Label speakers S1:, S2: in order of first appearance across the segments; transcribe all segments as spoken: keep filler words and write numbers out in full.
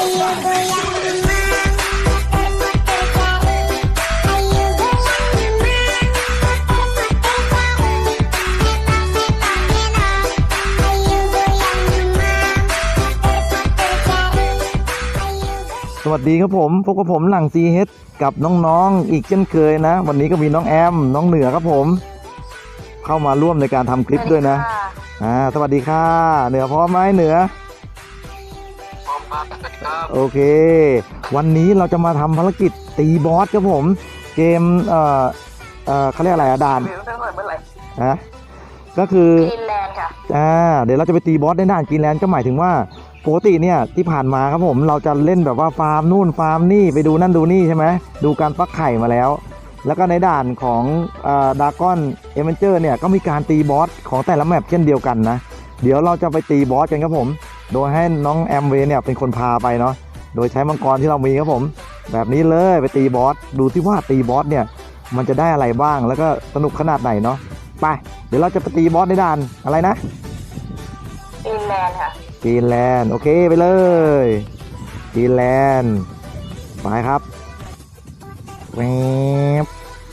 S1: สวัสดีครับผมพบกับผมหลัง ซี เอช กับน้องๆ อีกเช่นเคยนะวันนี้ก็มีน้องแอมน้องเหนือครับผมเข้ามาร่วมในการทำคลิปด้วยนะอ่าสวัสดีค่ะเหนือพร้อมไหมเหนือ
S2: พร้อมครับ
S1: โอเควันนี้เราจะมาทำภารกิจตีบอสครับผมเกมเอ่อเอ่อเขาเรียกอะไรอะด่านนะก็คือกรีนแลนด์ค่ะอ่าเดี๋ยวเราจะไปตีบอสในด่านกรีนแลนด์ก็หมายถึงว่าปกติเนี่ยที่ผ่านมาครับผมเราจะเล่นแบบว่าฟาร์มนู่นฟาร์มนี่ไปดูนั่นดูนี่ใช่ไหมดูการฟักไข่มาแล้วแล้วก็ในด่านของดากอนเอเวนเจอร์เนี่ยก็มีการตีบอสของแต่ละแมปเช่นเดียวกันนะเดี๋ยวเราจะไปตีบอสกันครับผมโดยให้น้องแอมเวย์เนี่ยเป็นคนพาไปเนาะโดยใช้มังกรที่เรามีครับผมแบบนี้เลยไปตีบอสดูที่ว่าตีบอสเนี่ยมันจะได้อะไรบ้างแล้วก็สนุกขนาดไหนเนาะไปเดี๋ยวเราจะไปตีบอสในด่านอะไรนะ
S3: กรีนแลนด์ค่ะ
S1: กรีนแลนด์โอเคไปเลยกรีนแลนด์ไปครับแวบ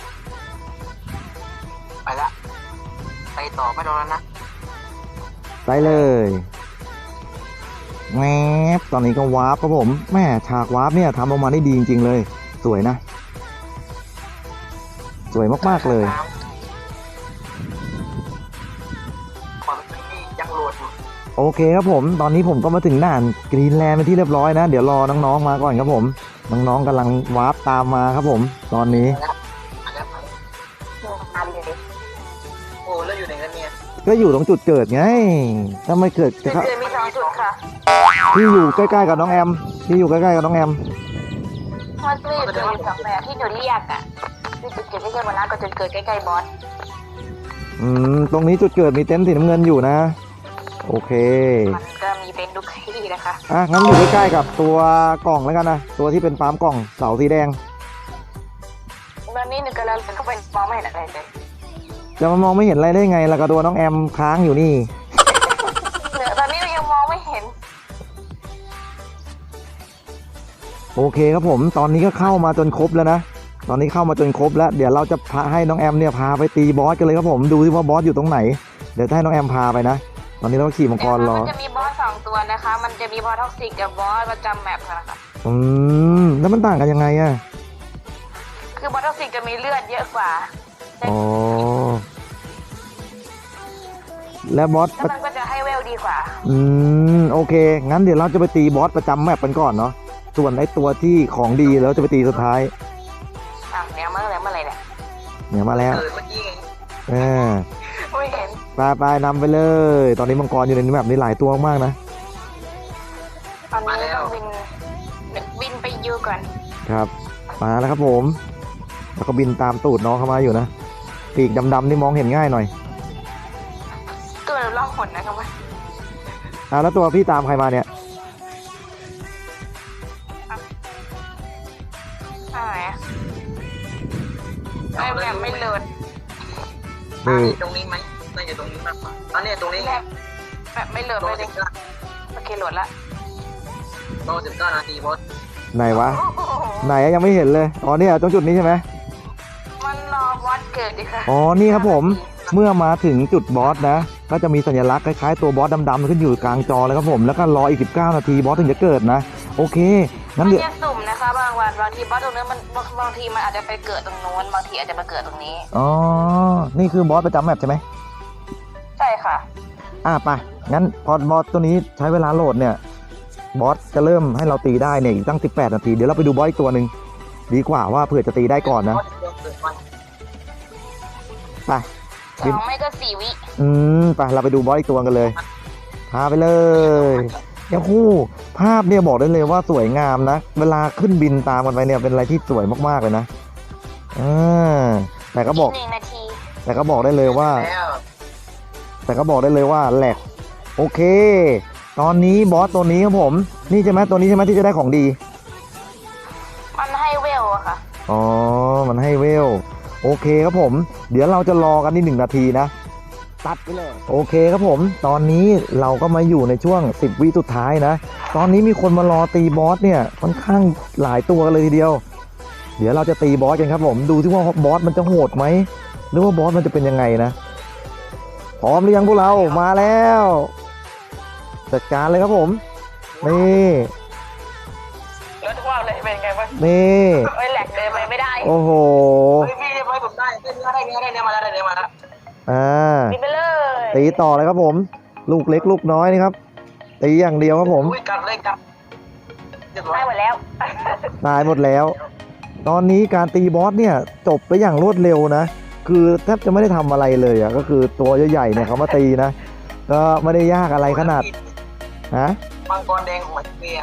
S2: ไปละไปต่อไม่รอแล้วนะ
S1: ไปเลยแวบตอนนี้ก็วาร์ปครับผมแม่ฉากวาร์ปเนี่ยทำออกมาได้ดีจริงๆเลยสวยนะสวยมากๆเลยโอเคครับผมตอนนี้ผมก็มาถึงด่านกรีนแลนด์เป็นที่เรียบร้อยนะเดี๋ยวรอน้องๆมาก่อนครับผมน้องๆกำลังวาร์ปตามมาครับผมตอนนี้
S2: โอ้แล้วอยู่ไหนกันเนี่ย
S1: ก็อยู่ตรงจุดเกิดไงถ้าไม่เกิด
S3: จุดเกิดมีสองจุดค่ะ
S1: ที่อยู่ใกล้ๆกับน้องแอมที่อยู่ใกล้ๆกับน้องแอม
S3: มันจะอยู่จุดสองแบบที่หนูเรียกอ่ะคือจุดเกิดใกล้ๆบนน้ำกับจุดเกิดใกล้ๆบอส
S1: อืมตรงนี้จุดเกิดมีเต็นท์สีน้ำเงินอยู่นะโอเค
S3: มันก็มีเป็นทุกที่นะคะ
S1: อ่ะงั้นอยู่ใกล้ๆกับตัวกล่องแล้วกันนะตัวที่เป็นฟาร์มกล่องเสาสีแดง
S3: ตอนนี้หนูกำลังเข้าไปมองไม่เห็นอะไรเลย
S1: จะมามองไม่เห็นอะไรได้ไงล่ะกับตัวน้องแอมค้างอยู่นี่
S3: ตอนนี้เรายังมองไม่เห็น
S1: โอเคครับผมตอนนี้ก็เข้ามาจนครบแล้วนะตอนนี้เข้ามาจนครบแล้วเดี๋ยวเราจะพาให้น้องแอมเนี่ยพาไปตีบอสกันเลยครับผมดูที่ว่าบอสอยู่ตรงไหนเดี๋ยวให้น้องแอมพาไปนะตอนนี้เราขี่มังกรรอ
S3: มันจะมีบอสสองตัวนะคะมันจะมีบอสท็อกซิกกับบอสประจำแมปค่ะ
S1: อืมแล้วมันต่างกันยังไงอะ
S3: คือบอสท็อกซิกจะมีเลือดเยอะกว่า
S1: อ๋อแล้วบอส
S3: มันก็จะให้เวลดีกว่า
S1: อืมโอเคงั้นเดี๋ยวเราจะไปตีบอสประจำแมปกันก่อนเนาะส่วนไอ้ตัวที่ของดีแล้วจะไปตีสุดท้าย
S3: อ่ะเนี่ยมาแล้วเมื่อไรเนี่ย
S1: เนี่ยมาแล้วเออ
S3: ไม่เห็น
S1: ไปไปนำไปเลยตอนนี้มังกรอยู่ในแมปนี้หลายตัวมากนะ
S3: ตอนนี้ต้องบินบินไปยูก่อน
S1: ครับมาแล้วครับผมแล้วก็บินตามตูดน้องเข้ามาอยู่นะปีกดำๆนี่มองเห็นง่ายหน่อย
S3: ตัวล่องหนนะครับว่า
S1: อ่าแล้วตัวพี่ตามใครมาเนี่ย
S3: อะไรอ่ะไม่แบบไม่เลิศ
S2: ตรงนี้ไหมน่าจะตรงนี้มากกว่าอันนี้ตรงนี้
S3: แบบไม่เลิศเลยโอเคโหลดละ
S2: รอสิบเก้านาทีบอส
S1: ไหนวะไหนยังไม่เห็นเลยอ๋อเนี่ยตรงจุดนี้ใช่ไหม
S3: มันรอบอสเกิดดิค่ะ
S1: อ๋อนี่ครับผมเมื่อมาถึงจุดบอสนะก็จะมีสัญลักษณ์คล้ายๆตัวบอสดำๆขึ้นอยู่กลางจอเลยครับผมแล้วก็รออีกสิบเก้านาทีบอสถึงจะเกิดนะโอเคงั้นเดี๋ยว
S3: มันจะสุ่มนะคะบางวันบางทีบอสตรงนี้มันบางทีมันอาจจะไปเกิดตรงโน้นบางทีอาจจะมาเกิดตรงนี้
S1: อ๋อนี่คือบอสประจำแมปใช่ไหม
S3: ใช่ค่ะ
S1: อ่ะไปงั้นพอบอสตัวนี้ใช้เวลาโหลดเนี่ยบอสจะเริ่มให้เราตีได้เนี่ยอีกตั้งสิบแปดนาทีเดี๋ยวเราไปดูบอสอีกตัวหนึ่งดีกว่าว่าเผื่อจะตีได้ก่อนนะไป
S3: สองไม่ก็สี่วิ
S1: อืมไปเราไปดูบอสอีกตัวกันเลยพาไปเลยเดี๋ยวคู่ภาพเนี่ยบอกได้เลยว่าสวยงามนะเวลาขึ้นบินตามกันไปเนี่ยเป็นอะไรที่สวยมากๆเลยนะอ่าแต่ก็บอกแต่ก็บอกได้เลยว่าแต่ก็บอกได้เลยว่าแหลกโอเคตอนนี้บอสตัวนี้ครับผมนี่ใช่ไหมตัวนี้ใช่ไหมที่จะได้ของดี
S3: มันให้เวลอะค่ะ
S1: อ๋อมันให้เวลโอเคครับผมเดี๋ยวเราจะรอกันนี่หนึ่งนาทีนะตัดไปเลยโอเคครับผมตอนนี้เราก็มาอยู่ในช่วงสิบวิสุดท้ายนะตอนนี้มีคนมารอตีบอสเนี่ยค่อนข้างหลายตัวกันเลยทีเดียวเดี๋ยวเราจะตีบอสกันครับผมดูที่ว่าบอสมันจะโหดไหมหรือว่าบอสมันจะเป็นยังไงนะพร้อมหรือยังพวกเรามาแล้วจัดการเลยครับผมนี่
S2: แล้วทุกว่าเลยเป็นไงบ้าง
S1: นี่
S3: ไม่แหลกเดินไปไม่ได้
S1: โอ้โห
S2: พี่พี่เรียบร้อยผมได้ได้เนื้อได้เนื้อได้เนื้อมาแล้วได้เนื้อมาแล้ว
S1: อ่า
S3: ตีไปเลย
S1: ตีต่อเลยครับผม ลูกเล็กลูกน้อยนี่ครับตีอย่างเดียวครับผม
S2: อุ้ยกัดเลยกัดเรียบร้อย
S3: ได้หมดแล้ว
S1: ตายหมดแล้ว ตอนนี้การตีบอสเนี่ยจบไปอย่างรวดเร็วนะ คือแทบจะไม่ได้ทำอะไรเลยอ่ะก็คือตัวใหญ่ๆเนี่ยเขามาตีนะ ก็ไม่ได้ยากอะไรขนาดฮะ
S2: มังกรแดงของเมีย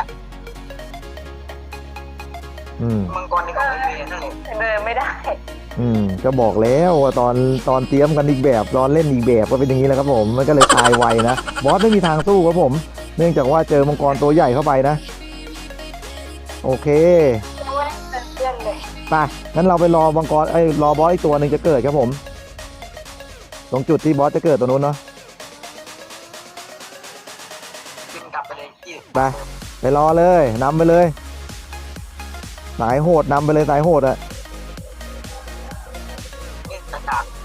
S1: อืม
S2: มังกรแดงของเมียนั่นเอง
S3: เดินไม่ได้
S1: อืมก็บอกแล้วว่าตอนตอนเตรียมกันอีกแบบตอนเล่นอีกแบบก็เป็นอย่างนี้แหละครับผมมันก็เลยตายไวนะบอสไม่มีทางสู้ครับผม เนื่องจากว่าเจอมังกรตัวใหญ่เข้าไปนะ โอเค
S3: เพื่อนเลย
S1: ไปงั้นเราไปรอมังกรไอ้ยรอบอสอีกตัวหนึ่งจะเกิดครับผม ตรงจุดที่บอสจะเกิดตรงนู้นเนาะ
S2: กินกลับไปเลยยี่
S1: ไปไปรอเลยนำไปเลยสายโหดนำไปเลยสายโหดอะ
S2: นี่กระดาษ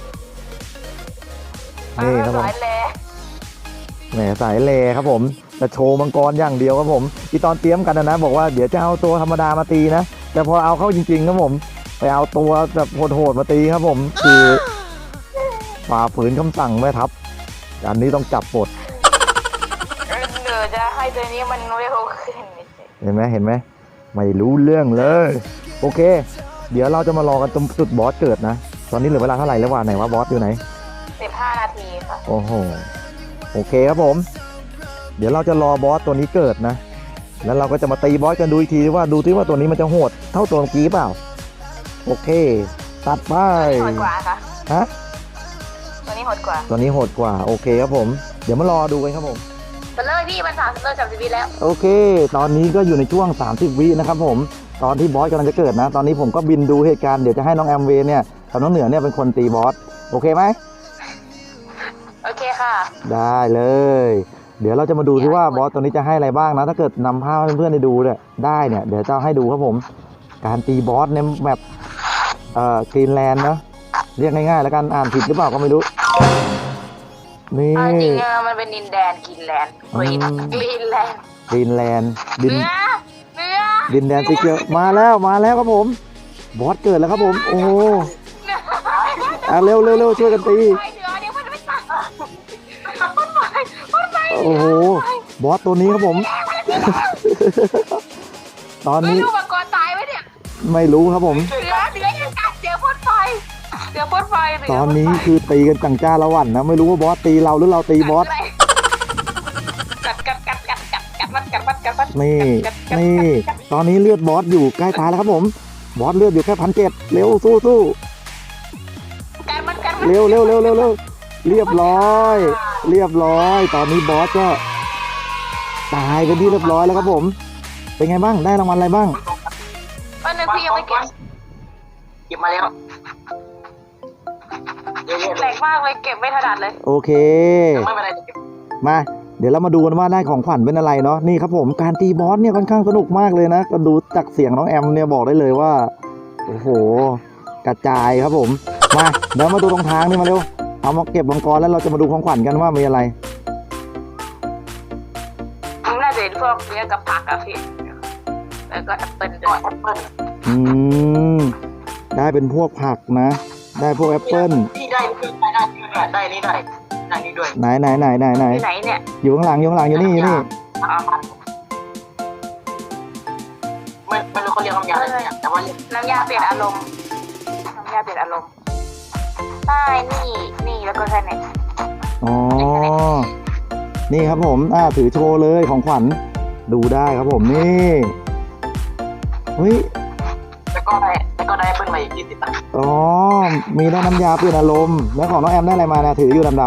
S1: นี่ครับผม
S3: สายแล
S1: แหมสายเลครับผมจะโชว์มังกรอย่างเดียวครับผมที่ตอนเตรียมกันนะนะบอกว่าเดี๋ยวจะเอาตัวธรรมดามาตีนะแต่พอเอาเข้าจริงๆครับผมไปเอาตัวแบบโหดๆมาตีครับผมคือฝ่าฝืนคำสั่งแม่ทัพอันนี้ต้องจับปลด
S3: เดี๋ยวจะให้ตัวนี้มันเร็วขึ้น
S1: เห็นไหมเห็นไหมไม่รู้เรื่องเลย โอเค เดี๋ยวเราจะมารอกันตรงจุดบอสเกิดนะตอนนี้เหลือเวลาเท่าไหร่แล้ววะไหนว่าบอสอยู่ไหน
S3: สิบห้านาทีค่ะ
S1: โอ้โหโอเคครับผม เดี๋ยวเราจะรอบอสตัวนี้เกิดนะ แล้วเราก็จะมาตีบอสกันดูอีกทีว่าดูที่ว่าตัวนี้มันจะโหดเท่าตัวเมื่อกี้เปล่าโอเค ตัดไป
S3: โหดกว่าค่ะ
S1: ฮะ
S3: ตัวนี้โหดกว่า
S1: ตัวนี้โหดกว่าโอเคครับผม เดี๋ยวมารอดูกันครับผม
S3: ไปเลยพี่มันสามสิบเลยสามสิบวิแล้ว
S1: โอเค ตอนนี้ก็อยู่ในช่วงสามสิบวินะครับผม ตอนที่บอสกำลังจะเกิดนะ ตอนนี้ผมก็บินดูเหตุการณ์ เดี๋ยวจะให้น้องแอมเวย์เนี่ยกับน้องเหนือเนี่ยเป็นคนตีบอส โอเคไหม
S3: โอเคค่ะ
S1: ได้เลย เดี๋ยวเราจะมาดูที่ว่าบอสตัวนี้จะให้อะไรบ้างนะ ถ้าเกิดนำภาพให้เพื่อนๆได้ดูเนี่ยได้เนี่ย เดี๋ยวจะให้ดูครับผม การตีบอสในแบบเอ่อกรีนแลนด์นะ เรียกง่ายๆแล้วกัน อ่านผิดหรือเปล่าก็ไม่รู้ นี่
S3: เอาจริงๆอะมันเป็นดินแดนกินแลนด์กรีน
S1: อืม
S3: กรีนแลนด์
S1: กรีนแลนด์ดิน
S3: เนื้อเนื้อ
S1: ดินแดนสีเขียวมาแล้วมาแล้วครับผม บอสเกิดแล้วครับผม โอ้โหอ่ะเร็วเร็วเร็วช่วยกันตี
S3: ไปเนื้อเดี๋ยวมันไม่ตายมันไปมันไป
S1: โอ้โห บอสตัวนี้ครับผม ตอน
S3: ไม่
S1: นี้
S3: รู้มังกรตายไหมเนี่ย
S1: ไม่รู้ครับผม
S3: เนื้อเนื้อยังกัดเดี๋ยวพ่นไฟเดี๋ยวพ่นไฟเดี๋ยว
S1: ตอนนี้คือตีกันจังจ้าละวันนะ ไม่รู้ว่าบอสตีเราหรือเราตีบอส
S3: กัดกัดกัดกัดกัดกัดมันกัดมันกัดมัน
S1: นี่
S3: กัดกัด
S1: นี่
S3: กัด
S1: ตอนนี้เลือดบอสอยู่ใกล้ตายแล้วครับผม บอสเลือดอยู่แค่พันเจ็ดเร็วสู้สู้
S3: กัดมันกัดมัน
S1: เร็วเร็วเร็วเร็วเร็วเรียบร้อย เรียบร้อย ตอนนี้บอสก็ตายเป็นที่เรียบร้อยแล้วครับผม เป็นไงบ้าง ได้รางวัลอะไรบ้าง
S3: วันนึงพี่ยังไม่เก็บ
S2: เก็บมาแล้วเยอะๆ
S3: แห
S2: เล
S3: ล
S2: ย
S3: กมากเลยเก็บไม่ถนัดเลย
S1: โอเค
S2: ไม่เป็นไรเก็บ
S1: มา เดี๋ยวเรามาดูกันว่าได้ของขวัญเป็นอะไรเนาะ นี่ครับผม การตีบอสเนี่ยค่อนข้างสนุกมากเลยนะ ก็ดูจากเสียงน้องแอมเนี่ยบอกได้เลยว่า โอ้โห กระจายครับผม มา เดี๋ยวมาดูตรงทางนี่มาเร็ว เอามาเก็บมังกรแล้วเราจะมาดูของขวัญกันว่ามีอะไร
S3: มันน่าจะเป็นพวกเนื้อกับผักอะพี่แล้วก็แอปเปิ้ลด้
S2: ก็
S3: วย
S2: แอปเปิ้ล
S1: อืม ได้เป็นพวกผักนะ ได้พวกแอปเปิ้ล
S2: นี่ได้ได้ได้ได้ได้นี่ได้ได้นี่ด้วย
S1: ไหนไหนไหนไหนไหน
S3: ที่ไหนเนี่ย
S1: อยู่ข้างหลังอยู่ข้างหลังอยู่นี่อยู่นี่
S2: ไม่ไม่รู้เขาเรียกคำยาอะไรเนี่ยแต่ว่าเรียก
S3: น้ำยาเปลี่ยนอารมณ์น้ำยาเปลี่ยนอารมณ์ใช่นี่นี่แล้วก็แค่นี้
S1: อ๋อ นี่ครับผม อ่า ถือโชว์เลยของขวัญ ดูได้ครับผม นี่ เฮ้ย
S2: แล้วก็ได้แล้วก็ได้แอปเปิ้ลมาอีกยี่สิบตังค์
S1: อ๋อ มีได้น้ำยาเปลี่ยนอารมณ์ แล้วของน้องแอมได้อะไรมานะถืออยู่ดำ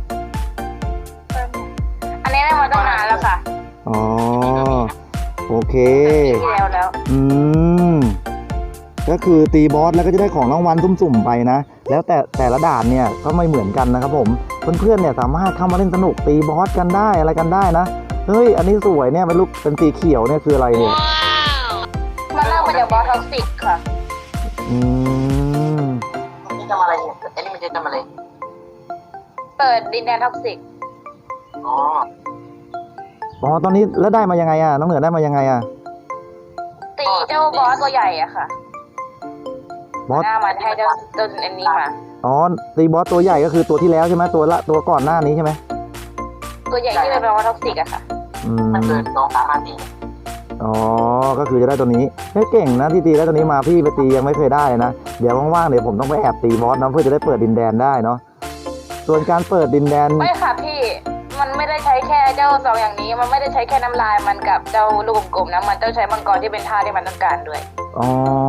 S3: อันนี้ได้มาตั้งนานแล้วค่ะ
S1: ๆอ๋อ โอเค
S3: ที่แล้วแล้ว
S1: อืมก็คือตีบอสแล้วก็จะได้ของรางวัลสุ่มๆไปนะ แล้วแต่แต่ละด่านเนี่ยก็ไม่เหมือนกันนะครับผมเพื่อนๆเนี่ยสามารถเข้ามาเล่นสนุกตีบอสกันได้อะไรกันได้นะเฮ้ยอันนี้สวยเนี่ยเป็นรูปเป็นสีเขียวเนี่ยคืออะไรเนี่ย
S3: มันเริ่มมาจากบอสท็อกซิกค่ะ
S1: อืม
S2: อันนี้ทำอะไรเนี่ยอันนี้มันจะทำอะไร
S3: เปิดดินแดนท็อกซิก
S2: อ๋อ
S1: อ๋อตอนนี้แล้วได้มายังไงอ่ะน้องเหนือได้มายังไงอ่ะ
S3: ตีเจ้าบอสตัวใหญ่อะค่ะ
S1: บอส
S3: หน้ามันให้เจ้าเจ้าอันนี้มา
S1: อ๋อตีบอสตัวใหญ่ก็คือตัวที่แล้วใช่ไหมตัวละตัวก่อนหน้านี้ใช่ไหม
S3: ตัวใหญ่ที่เป็นบอสท็อกซิกอะค่ะ
S1: อืม
S2: มันเกินสองสามนาที
S1: อ๋อก็คือจะได้ตัวนี้เฮ้ยเก่งนะที่ตีได้ตัวนี้มาพี่ไปตียังไม่เคยได้เลยนะเดี๋ยวว่างๆเดี๋ยวผมต้องไปแอบตีบอสนะเพื่อจะได้เปิดดินแดนได้เนาะส่วนการเปิดดินแดน
S3: ไม่ค่ะพี่ มันไม่ได้ใช้แค่เจ้าสองอย่างนี้ มันไม่ได้ใช้แค่น้ำลายมันกับเจ้าลูกกลมๆนะ มันต้องใช้มังกรที่เป็นท่าที่มันต้องการด้วย
S1: อ๋อ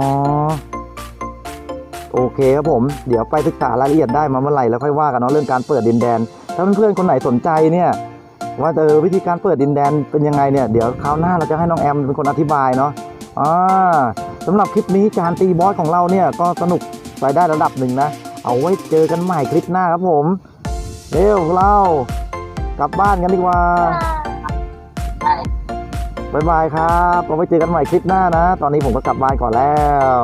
S1: โอเคครับผมเดี๋ยวไปศึกษารายละเอียดได้มาเมื่อไหร่แล้วค่อยว่ากันเนาะเรื่องการเปิดดินแดนถ้าเพื่อนๆคนไหนสนใจเนี่ยว่าเออวิธีการเปิดดินแดนเป็นยังไงเนี่ยเดี๋ยวคราวหน้าเราจะให้น้องแอมเป็นคนอธิบายเนาะอ่าสำหรับคลิปนี้การตีบอสของเราเนี่ยก็สนุกไปได้ระดับหนึ่งนะเอาไว้เจอกันใหม่คลิปหน้าครับผมเร็วเรากลับบ้านกันดีกว่า
S2: ใช่
S1: บ๊ายบายครับเอาไว้เจอกันใหม่คลิปหน้านะ ตอนนี้ผมก็กลับบ้านก่อนแล้ว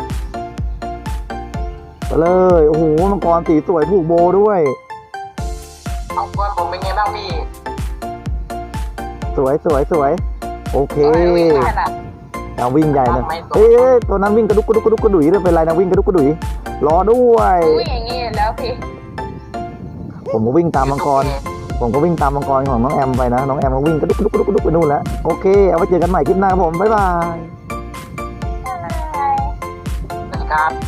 S1: ไปเลยโอ้โหมังกรสีสวยผูกโบด้วย
S2: เอาก่อนผมเป็นไงบ้างพี่
S1: สวยสวยสวยโอเค
S3: โอ้ยวิ่งขนาด
S1: เอาวิ่งใหญ่เลยเอ้ยตัวนั้นวิ่งกระดุกกระดุกกระดุกกระดุยด้วยเป็นไรนะวิ่งกระดุกกระดุยรอด้วย
S3: วิ่งอย่างนี้แล้วพี่
S1: ผมก็วิ่งตามมังกร ผมก็วิ่งตามมังกรของน้องแอมไปนะน้องแอมก็วิ่งกระดุกกระดุกกระดุกกระดุกไปนู่นแล้วโอเคเอาไว้เจอกันใหม่คลิปหน้าครับผมบ๊ายบาย
S2: สวัสดีครับ